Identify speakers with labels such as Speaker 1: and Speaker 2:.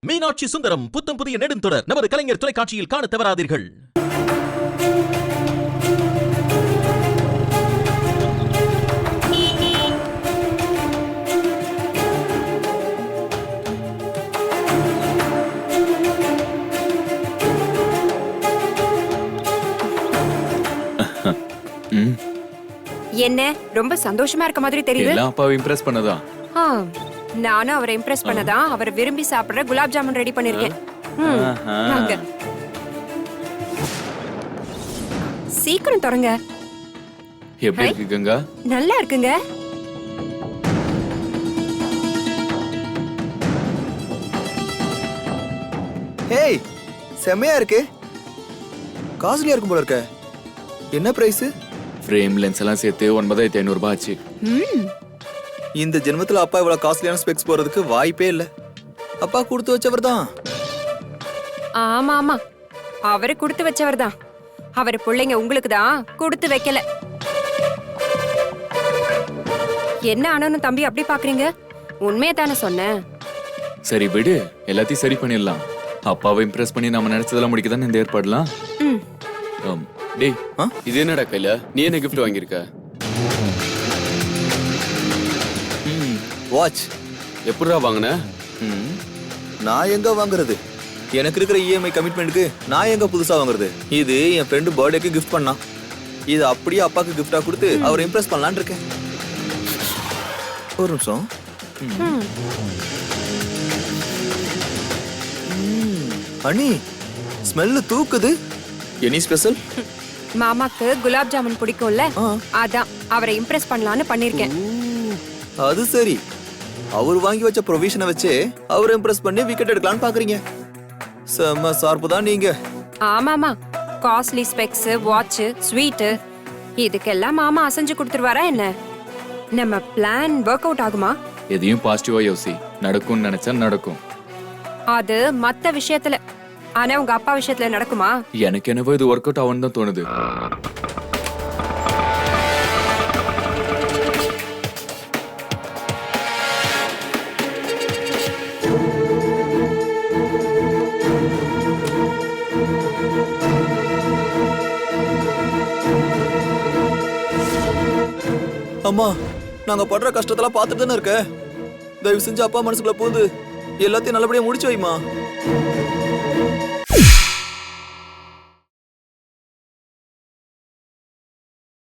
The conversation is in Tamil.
Speaker 1: மீனாட்சி சுந்தரம் புத்தம் புதிய நெடுந்தொடர் நமது கலைஞர் தொலைக்காட்சியில் காண தவறாதீர்கள்.
Speaker 2: என்ன ரொம்ப சந்தோஷமா இருக்க மாதிரி தெரியுது.
Speaker 3: எல்லாம் அப்பாவை இம்ப்ரெஸ் பண்ணதா?
Speaker 2: நானும் அவரை இம்ப்ரெஸ் பண்ணதா அவர் விரும்பி சாப்பிடுற குலாப் ஜாமுன் ரெடி பண்ணிருக்கேன். சீக்கிரம் தொடங்க.
Speaker 3: எப்படி இருக்கு கங்கா?
Speaker 2: நல்லா இருக்குங்க.
Speaker 4: ஹேய், செமையா இருக்கு. காஸ்ட்லியா இருக்கும் போல இருக்க. என்ன பிரைஸ்?
Speaker 3: ஃப்ரேம் லென்ஸ் எல்லாம் சேர்த்து 9500 ரூபாய் ஆச்சு.
Speaker 4: இந்த ஜென்மத்துல அப்பா இவ்வளவு காஸ்ட்லியான ஸ்பெக்ஸ் போறதுக்கு வாய்ப்பே இல்ல. அப்பா கொடுத்து வச்சவர் தான்.
Speaker 2: ஆமா ஆமா, அவரு கொடுத்து வச்சவர் தான். அவர் பிள்ளைங்க உங்களுக்கு தான் கொடுத்து வைக்கல. என்ன ஆனாலும் தம்பி அப்படி பாக்குறீங்க? உண்மையை தானே சொன்னேன்.
Speaker 3: சரி விடு, எல்லாத்தையும் சரி பண்ணிடலாம். அப்பாவை இம்ப்ரெஸ் பண்ணி நம்ம நினைச்சதெல்லாம் முடிக்கதானே இந்த ஏற்பாடுலாம். டேய், இது என்னடா கையில? நீ என்ன கிஃப்ட் வாங்கியிருக்க?
Speaker 4: வாட்ச்.
Speaker 3: எப்படிடா வாங்கின?
Speaker 4: நான் எங்க வாங்குறது? எனக்கு இருக்கிற இஎம்ஐ கமிட்மெண்ட்டுக்கு நான் எங்க புதுசா வாங்குறது? இது என் ஃப்ரெண்டு பர்த்டேக்கு கிஃப்ட் பண்ணான். இது அப்படியே அப்பாக்கு கிஃப்டா கொடுத்து அவரை இம்ப்ரெஸ் பண்ணலான்னு இருக்கேன். ஒரு நிமிஷம். அண்ணி, ஸ்மெல்லு தூக்குது. Any special?
Speaker 2: மாமாக்கு குலாப் ஜாமுன் பிடிக்கும்ல, அதான் அவரை இம்ப்ரெஸ் பண்ணலான்னு பண்ணிருக்கேன்.
Speaker 4: அது சரி, அவர் வாங்கி வச்ச ப்ரொவிஷனை வச்சு அவரை இம்ப்ரெஸ் பண்ணி விக்கெட் எடுக்கலாம்னு பாக்குறீங்க. செம்ம சார்பு தான் நீங்க.
Speaker 2: ஆமாமா, காஸ்ட்லி ஸ்பெக்ஸ், வாட்ச், ஸ்வீட், இதுக்கெல்லாம் மாமா அசைஞ்சு கொடுத்துருவாரா என்ன? நம்ம பிளான் ஒர்க் அவுட் ஆகுமா?
Speaker 3: எதையும் பாசிட்டிவா யோசி. நடக்கும்னு நினைச்சா நடக்கும்.
Speaker 2: அது மத்த விஷயத்துல. ஆனா உங்க அப்பா விஷயத்துல நடக்குமா?
Speaker 3: எனக்கு என்னவோ இது ஒர்க் அவுட் ஆகும்னு தான் தோணுது.
Speaker 4: அம்மா, நாங்க படுற கஷ்டத்தெல்லாம் பார்த்துட்டு தானே இருக்க. தயவு செஞ்சு அப்பா மனசுக்குள்ள போகுது எல்லாத்தையும் நல்லபடியா முடிச்சு வைமா.